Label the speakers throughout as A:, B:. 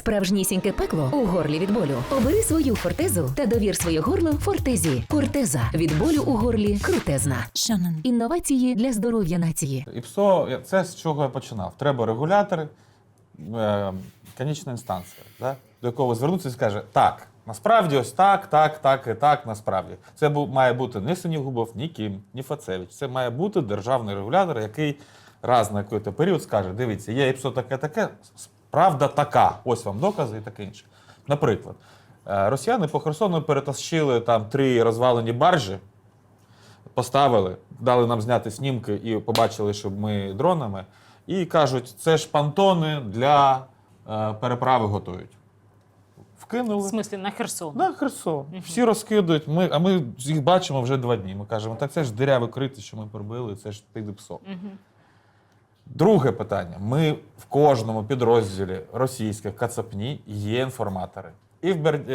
A: Справжнісіньке пекло у горлі від болю. Обери свою фортезу та довір своє горло фортезі. Фортеза. Від болю у горлі крутезна. Інновації для здоров'я нації.
B: ІПСО – це з чого я починав. Треба регулятори, конічна інстанція, да? До якого звернутися і скаже, так, насправді ось так, так, так і так, насправді. Це має бути не Синігубов, ні Кім, ні Фацевич. Це має бути державний регулятор, який раз на якийсь період скаже, дивіться, є ІПСО таке-таке, правда така, ось вам докази і таке інше. Наприклад, росіяни по Херсону перетащили там 3 розвалені баржі, поставили, дали нам зняти знімки і побачили, що ми дронами, і кажуть, це ж понтони для переправи готують. Вкинули.
C: В смислі, на Херсон?
B: На Херсон. Всі розкидують, а ми їх бачимо вже 2 дні. Ми кажемо, так це ж диряве крити, що ми пробили, це ж під ІПСО. Друге питання. Ми в кожному підрозділі російських кацапні є інформатори. І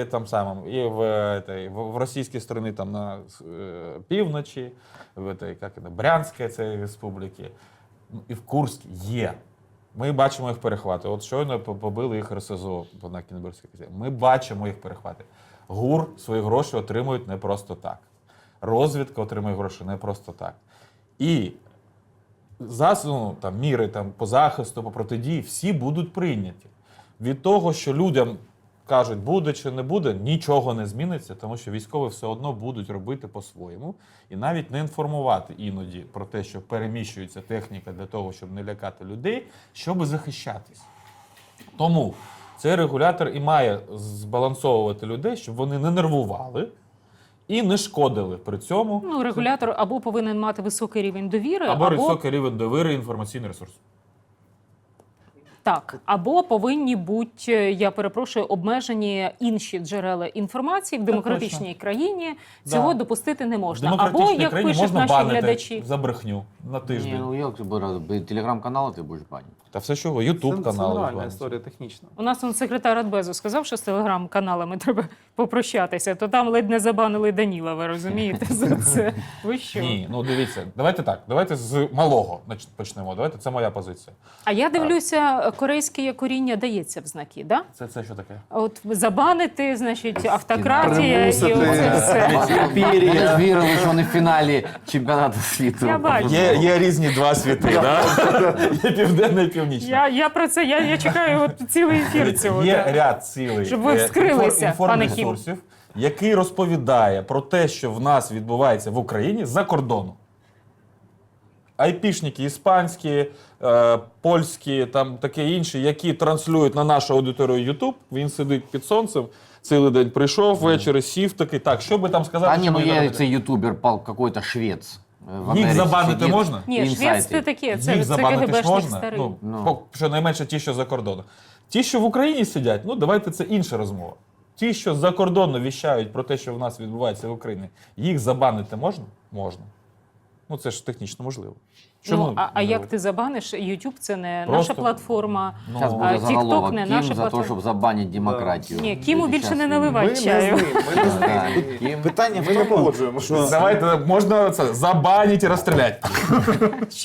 B: в російській стороні там на півночі, в Брянській республіці, і в Курській є. Ми бачимо їх перехвати. От щойно побили їх РСЗО на Кінбурзькій. Ми бачимо їх перехвати. ГУР свої гроші отримують не просто так. Розвідка отримує гроші не просто так. І міри по захисту, по протидії, всі будуть прийняті. Від того, що людям кажуть, буде чи не буде, нічого не зміниться, тому що військові все одно будуть робити по-своєму і навіть не інформувати іноді про те, що переміщується техніка для того, щоб не лякати людей, щоб захищатись. Тому цей регулятор і має збалансовувати людей, щоб вони не нервували і не шкодили при цьому.
C: Ну, регулятор або повинен мати високий рівень довіри,
B: або високий рівень довіри і інформаційний ресурс.
C: Так, або повинні бути, я перепрошую, обмежені інші джерела інформації в демократичній країні. Цього допустити не можна.
B: В демократичній
C: Або, як
B: країні
C: пишуть
B: можна
C: наші
B: банити
C: глядачі,
B: за брехню на тиждень.
D: Не, ну як ти буде? Телеграм-канали ти будеш банити.
B: Та все чого, Ютуб-канал.
E: Це нормальна історія, технічна.
C: у нас секретар Радбезу сказав, що з телеграм-каналами треба попрощатися, то там ледь не забанили Даніла, ви розумієте, за це. Ви що?
B: Ні, ну дивіться, давайте так, давайте з малого почнемо, давайте, це моя позиція.
C: А я дивлюся, корейське коріння дається в знаки, да?
B: Це що таке?
C: От забанити, значить, автократія і
E: Примусити.
C: оце все.
D: Вони ж вірили, що вони в фіналі чемпіонату світу.
C: Я бачу.
B: Є різні 2 світи, да? Є південний і північний.
C: Я про це, я чекаю от цілий ефір цього.
B: Є
C: да.
B: ряд цілий
C: Щоб ви вскрилися, пане Кім.
B: інформресурсів, який розповідає про те, що в нас відбувається в Україні за кордону. Айпішники іспанські, польські, там таке інше, які транслюють на нашу аудиторію YouTube. Він сидить під сонцем, цілий день прийшов, ввечері сів такий, так, що би там сказати?
D: А ні,
B: що
D: ну
B: ми
D: є
B: робимо?
D: цей ютубер, какой-то швець.
B: Їх забанити можна?
C: Ні, швець це таке, це
B: Їх забанити ж
C: КГБшник
B: можна?
C: старий.
B: Щонайменше ті, що за кордоном. Ті, що в Україні сидять, ну давайте це інша розмова. Ті, що за кордоном віщають про те, що в нас відбувається в Україні, їх забанити можна? Можна. Ну це ж технічно можливо.
C: Ну, а як ти забаниш? YouTube це не
B: Просто-
C: наша платформа,
D: Зараз
C: а
D: буде заголовок.
C: TikTok не
D: Кім
C: наша
D: за те,
C: платформа.
D: щоб забанити демократію.
C: Ні, Кіму більше не
D: Щас
C: наливай
E: Ми не з
C: чаю.
E: ним, ми не з
D: Так,
E: ним.
D: Кім.
E: Питання ми не погоджуємо.
B: Давайте можна це забанити і розстріляти.